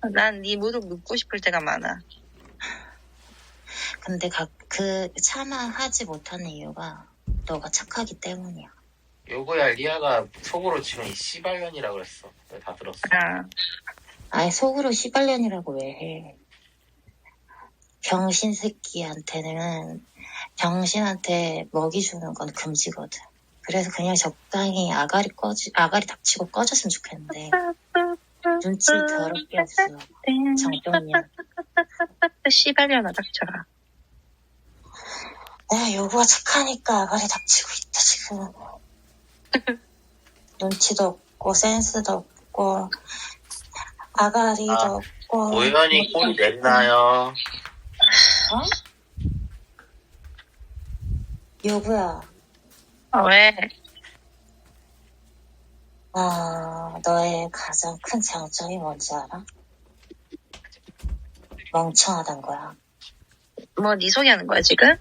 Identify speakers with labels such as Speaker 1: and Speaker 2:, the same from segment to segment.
Speaker 1: 난 네 무릎 눕고 싶을 때가 많아.
Speaker 2: 근데 차마 하지 못하는 이유가 너가 착하기 때문이야.
Speaker 3: 요거야 리아가 속으로 지금 이 씨발년이라 그랬어. 내가 다 들었어.
Speaker 2: 아예 속으로 씨발년이라고 왜 해. 병신 새끼한테는 병신한테 먹이 주는 건 금지거든. 그래서 그냥 적당히 아가리 닥치고 꺼졌으면 좋겠는데 눈치 더럽게 없어. 정병이야.
Speaker 1: 씨발년아 닥쳐라.
Speaker 2: 내가 요구가 착하니까 아가리 닥치고 있다 지금. 눈치도 없고 센스도 없고 아가리도 없고.
Speaker 3: 우연히 꼴이 냈나요?
Speaker 2: 어? 요구야.
Speaker 1: 왜?
Speaker 2: 너의 가장 큰 장점이 뭔지 알아? 멍청하단 거야.
Speaker 1: 뭐 네 소개하는 거야 지금?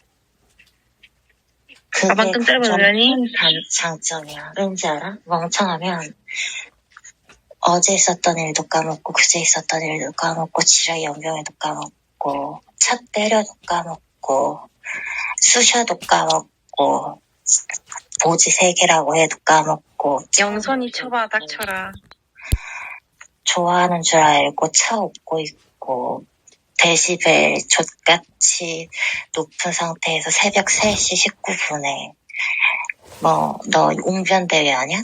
Speaker 2: 그게
Speaker 1: 가방끈 짧은 우연히?
Speaker 2: 장점이야. 왠지 알아? 멍청하면 어제 있었던 일도 까먹고 그제 있었던 일도 까먹고 지랄 연병에도 까먹고 차 때려도 까먹고 쑤셔도 까먹고 보지 3개라고 해도 까먹고
Speaker 1: 영선이 쳐봐 닥쳐라.
Speaker 2: 좋아하는 줄 알고 차 업고 있고 데시벨 족같이 높은 상태에서 새벽 3시 19분에 너 웅변대회 아냐?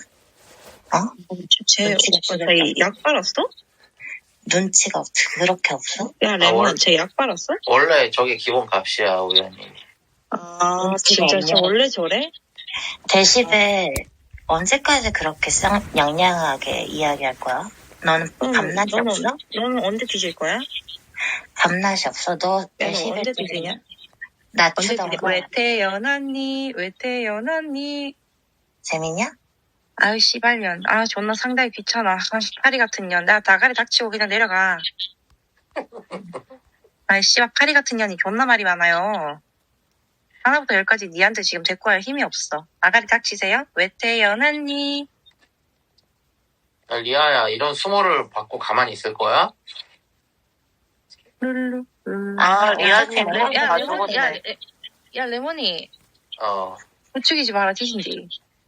Speaker 1: 쟤 약 빨았어?
Speaker 2: 눈치가 그렇게 없어?
Speaker 1: 야 레몬 쟤 약 빨았어?
Speaker 3: 원래 저게 기본 값이야 우연히.
Speaker 1: 진짜 쟤 원래 저래?
Speaker 2: 데시벨 언제까지 그렇게 양양하게 이야기할 거야? 너는 밤낮이 없어?
Speaker 1: 너는 언제 뒤질 거야?
Speaker 2: 밤낮이 없어? 너 데시벨
Speaker 1: 언제 뒤지냐?
Speaker 2: 낮추던가.
Speaker 1: 왜 태어났니?
Speaker 2: 재밌냐?
Speaker 1: 아유 씨발년. 존나 상당히 귀찮아. 파리 같은 년. 나 다가리 닥치고 그냥 내려가. 씨발 파리 같은 년이 존나 말이 많아요. 하나부터 10까지 니한테 지금 데리고 할 힘이 없어. 아가리 닥치세요? 왜 태어났니?
Speaker 3: 야, 리아야 이런 수모를 받고 가만히 있을 거야?
Speaker 1: 룰루.
Speaker 2: 리아님
Speaker 1: 야 레몬이. 야 레몬이. 부추기지 마라 뒤진디.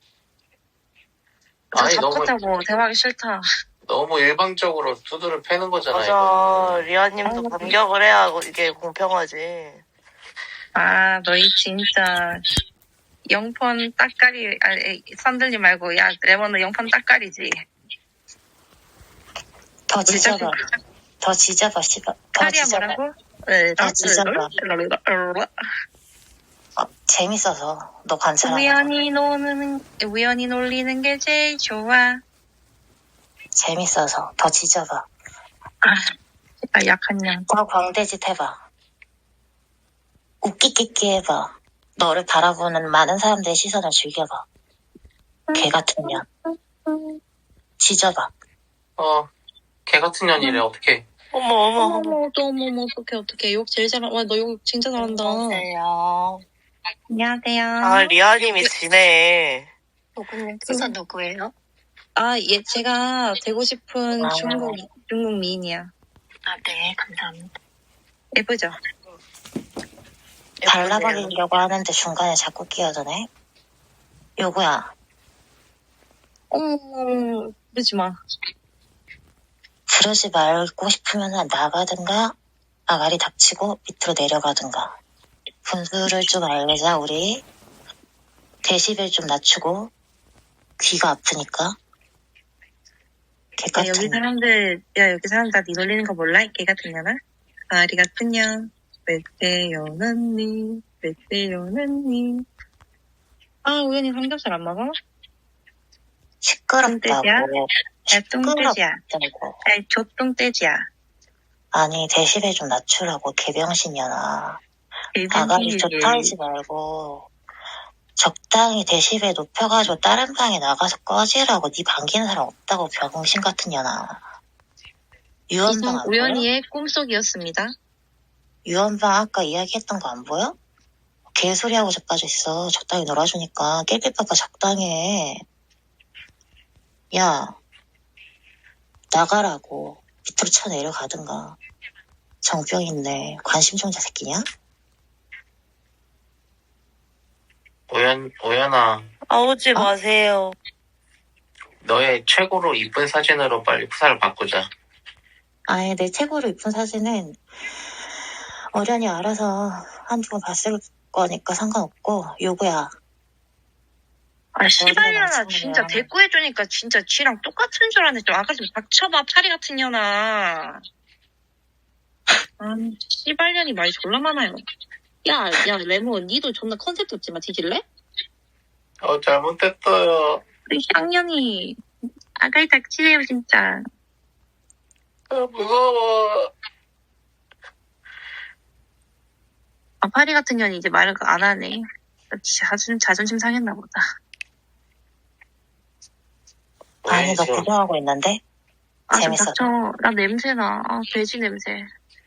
Speaker 3: 아니
Speaker 1: 잡혔다고 대화하기 싫다.
Speaker 3: 너무 일방적으로 두드를 패는 거잖아.
Speaker 4: 맞아.
Speaker 3: 이거.
Speaker 4: 리아님도 반격을 해야 이게 공평하지.
Speaker 1: 너희 진짜 영펀 따까리 선들지 말고 야 레몬은 영펀 따까리지.
Speaker 2: 더 지져봐 씨발.
Speaker 1: 파리야 뭐라고?
Speaker 2: 더 지져봐. 재밌어서 너 관찰하는
Speaker 1: 우연히 놀리는 게 제일 좋아.
Speaker 2: 재밌어서 더 지져봐.
Speaker 1: 약한 년.
Speaker 2: 더 광대짓 해봐. 웃기끼끼 해봐. 너를 바라보는 많은 사람들의 시선을 즐겨봐. 개 같은 년. 지져봐.
Speaker 3: 개 같은 년이래. 어떡해.
Speaker 4: 어머.
Speaker 1: 어떡해. 욕 제일 잘한다. 와, 너 욕 진짜 잘한다. 안녕하세요.
Speaker 4: 리아님이 지네.
Speaker 2: 누구님 수선 누구예요?
Speaker 1: 제가 되고 싶은 중국 미인이야.
Speaker 2: 네, 감사합니다.
Speaker 1: 예쁘죠?
Speaker 2: 발라버리려고 하는데 중간에 자꾸 끼어드네. 요구야.
Speaker 1: 그러지 마.
Speaker 2: 그러지 말고 싶으면 나가든가 아가리 닥치고 밑으로 내려가든가. 분수를 좀 알자 우리. 데시벨 좀 낮추고. 귀가 아프니까.
Speaker 1: 여기 사람들 다 니 놀리는 거 몰라? 개 같은 년아? 아리 같은 년. 왜 태어났니? 우연히 삼겹살 안 먹어?
Speaker 2: 시끄럽다고.
Speaker 1: 똥돼지야. 족똥돼지야.
Speaker 2: 아니 데시벨 좀 낮추라고 개병신년아. 아가리 좀 털지 말고 적당히 데시벨 높여가지고 다른 방에 나가서 꺼지라고. 네 반기는 사람 없다고 병신 같은 년아. 유언방 안 보여?
Speaker 1: 우연히의 꿈속이었습니다.
Speaker 2: 유언방 아까 이야기했던 거 안 보여? 개소리하고 자빠져 있어. 적당히 놀아주니까 낄낄빠빠 적당히 해. 야 나가라고. 밑으로 쳐내려가든가. 정병 있네. 관심종자 새끼냐?
Speaker 3: 오연아,
Speaker 4: 아오지
Speaker 2: 어?
Speaker 4: 마세요.
Speaker 3: 너의 최고로 이쁜 사진으로 빨리 프사를 바꾸자.
Speaker 2: 아예 내 최고로 이쁜 사진은 어련히 알아서 한두 번 봤을 거니까 상관없고, 요구야.
Speaker 1: 아, 씨발년아,
Speaker 2: 마찬가지야.
Speaker 1: 진짜 대꾸해주니까 진짜 쥐랑 똑같은 줄 아네. 좀 아까 좀 닥쳐봐, 파리 같은 년아. 아니, 씨발년이 말이 졸라 많아요. 야, 레몬, 니도 존나 컨셉 없지만 뒤질래?
Speaker 3: 잘못했어요.
Speaker 1: 우리 향년이 아가리 닥치세요, 진짜.
Speaker 3: 무서워.
Speaker 1: 아, 파리 같은 년이 이제 말을 안 하네. 진짜 자존심 상했나 보다.
Speaker 2: 아니, 너
Speaker 3: 왜
Speaker 2: 구경하고 있는데?
Speaker 1: 아, 좀
Speaker 2: 재밌어.
Speaker 1: 닥쳐. 나 냄새나. 아, 돼지 냄새.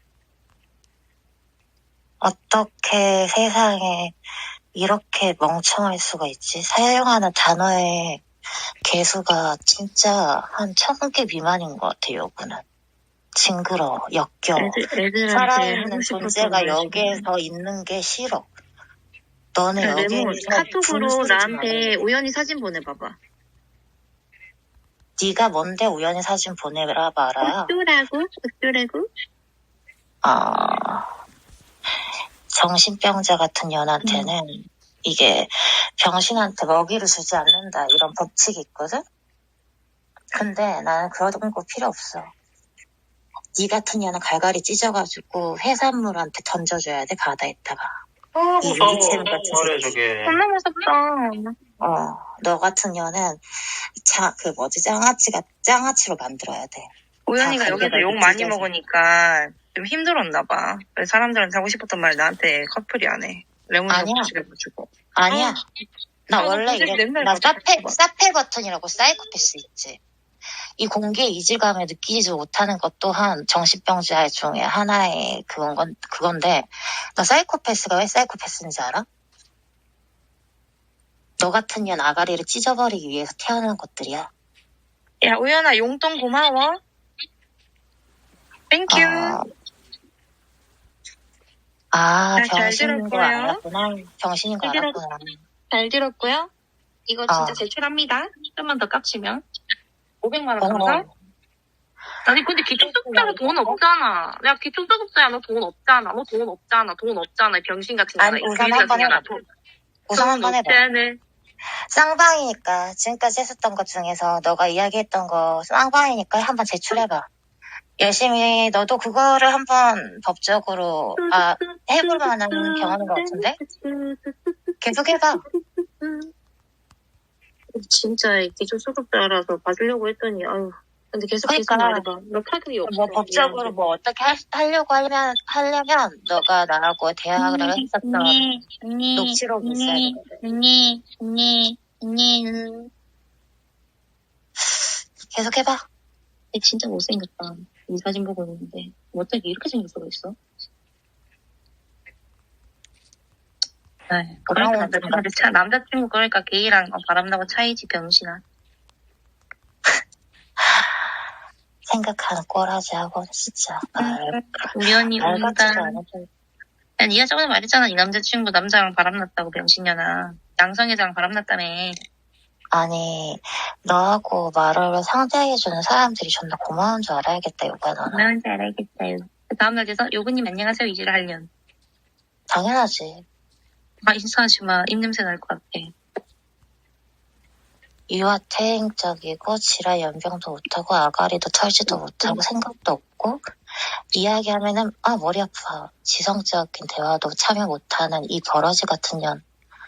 Speaker 2: 어떻게 세상에 이렇게 멍청할 수가 있지? 사용하는 단어의 개수가 진짜 한 1000개 미만인 것 같아, 요구는. 징그러워, 역겨워.
Speaker 1: 애들한테
Speaker 2: 살아있는
Speaker 1: 하고 싶었던
Speaker 2: 존재가
Speaker 1: 말 지금.
Speaker 2: 여기에서 있는 게 싫어. 너는
Speaker 1: 야,
Speaker 2: 여기에서
Speaker 1: 레몬, 카톡으로
Speaker 2: 분수를 좀
Speaker 1: 나한테
Speaker 2: 알아야 돼.
Speaker 1: 우연히 사진 보내봐봐.
Speaker 2: 네가 뭔데 우연히 사진 보내라 봐라.
Speaker 1: 어쩌라고?
Speaker 2: 아, 정신병자 같은 년한테는 이게 병신한테 먹이를 주지 않는다 이런 법칙이 있거든? 근데 나는 그런 거 필요 없어. 네 같은 년은 갈갈이 찢어가지고 해산물한테 던져줘야 돼, 바다에다가. 이
Speaker 3: 무서워.
Speaker 2: 유기체는 같은
Speaker 3: 뭐래
Speaker 2: 새끼.
Speaker 3: 저게.
Speaker 1: 존나 무섭다.
Speaker 2: 너 같은 년은 짱아치로 만들어야 돼.
Speaker 1: 우연이가
Speaker 2: 다
Speaker 1: 여기서
Speaker 2: 갈게가
Speaker 1: 욕 많이
Speaker 2: 찢어져.
Speaker 1: 먹으니까 좀 힘들었나 봐. 그래서 사람들한테 하고 싶었던 말 나한테 커플이 안 해. 레몬이가
Speaker 2: 아니야.
Speaker 1: 고치해가지고.
Speaker 2: 아니야. 나
Speaker 1: 나
Speaker 2: 원래
Speaker 1: 갑자기
Speaker 2: 이래.
Speaker 1: 맨날
Speaker 2: 나
Speaker 1: 가지고
Speaker 2: 사페 버튼이라고 사이코패스 있지. 이 공기의 이질감을 느끼지 못하는 것 또한 정신병자 중에 하나의 그건데, 너 사이코패스가 왜 사이코패스인지 알아? 너 같은 년 아가리를 찢어버리기 위해서 태어난 것들이야.
Speaker 1: 야, 우연아, 용돈 고마워. 땡큐. 잘
Speaker 2: 병신인 거
Speaker 1: 들었고요.
Speaker 2: 알았구나. 병신인 거
Speaker 1: 잘
Speaker 2: 알았구나.
Speaker 1: 잘 들었고요. 이거 진짜
Speaker 2: 어.
Speaker 1: 제출합니다. 좀만 더 깝치면. 500만 원
Speaker 2: 어머.
Speaker 1: 감사. 아니, 근데 기초수급자가 돈 없잖아. 야, 기초수급자야, 너 돈 없잖아. 돈 없잖아. 병신 같은 년아.
Speaker 2: 아니,
Speaker 1: 이
Speaker 2: 우선
Speaker 1: 귀리
Speaker 2: 한번
Speaker 1: 같은 년아.
Speaker 2: 해봐. 우선 한번 해봐.
Speaker 1: 없잖아.
Speaker 2: 쌍방이니까 지금까지 했었던 것 중에서 너가 이야기했던 거 쌍방이니까 한번 제출해봐. 열심히 너도 그거를 한번 법적으로 해볼 만한 경험인 것 같은데? 계속 해봐.
Speaker 1: 진짜 기초수급자라서 봐주려고 했더니 아유. 근데 계속
Speaker 2: 그러니까.
Speaker 1: 말해봐. 너 타격이 없어.
Speaker 2: 뭐 법적으로 뭐 어떻게 하려고 하려면 너가 나하고 대화를 했었던 녹취록이 있어야 되거든. 계속 해봐.
Speaker 1: 진짜 못생겼다. 이 사진 보고 있는데 어떻게 이렇게 생길 수가 있어? 그러니까 남자친구 그러니까 게이랑 바람나고 차이지 병신아.
Speaker 2: 생각하는 꼴하지 하고 진짜
Speaker 1: 우연히
Speaker 2: 말
Speaker 1: 온다.
Speaker 2: 같지도 않아도.
Speaker 1: 야, 니가 저번에 말했잖아. 이 남자친구 남자랑 바람났다고 병신년아. 양성애자랑 바람났다며.
Speaker 2: 아니 너하고 말을 상대해주는 사람들이 존나 고마운 줄 알아야겠다 요가 너는.
Speaker 1: 고마운 줄 알겠어요. 그 다음날 돼서 요근님 안녕하세요 이지를 하련.
Speaker 2: 당연하지.
Speaker 1: 인사하지 마. 입냄새 날 것 같아.
Speaker 2: 유아퇴행적이고 지랄 연병도 못하고 아가리도 털지도 못하고 생각도 없고 이야기하면은 머리 아파. 지성적인 대화도 참여 못하는 이 버러지 같은 년.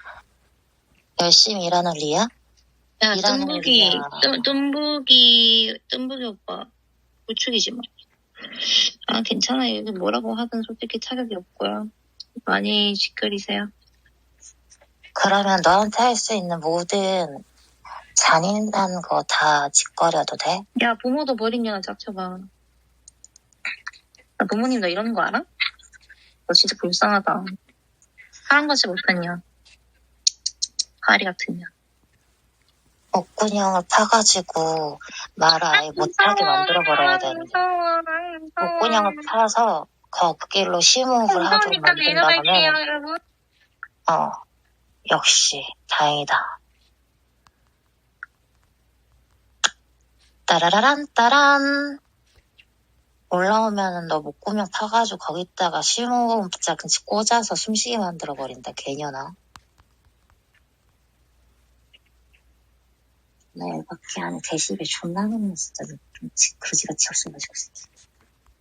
Speaker 2: 열심히 일하는 리아?
Speaker 1: 야,
Speaker 2: 일하는
Speaker 1: 뜸부기
Speaker 2: 리아.
Speaker 1: 뜸부기 오빠. 부축이지 마. 괜찮아요. 여기 뭐라고 하든 솔직히 타격이 없고요. 많이 짓거리세요.
Speaker 2: 그러면 너한테 할 수 있는 모든 잔인한 거 다 짓거려도 돼?
Speaker 1: 야, 부모도 버린 년아 짝쳐봐. 나 부모님 너 이러는 거 알아? 너 진짜 불쌍하다. 사랑받지 못한 년. 파리 같은 년.
Speaker 2: 목구녕을 파가지고 말을 아예 못하게 만들어버려야 되는데 목구녕을 파서 거길로 심호흡을 하도록 만든 다음에
Speaker 1: 여러분.
Speaker 2: 역시 다행이다. 따라라란 따란 올라오면은 너 목구멍 파가지고 거기다가 심호흡자 근치 꽂아서 숨쉬게 만들어버린다 개년아. 나 열받게 하네. 데시벨 존나 높네 진짜. 좀 그지같이 없어가지고.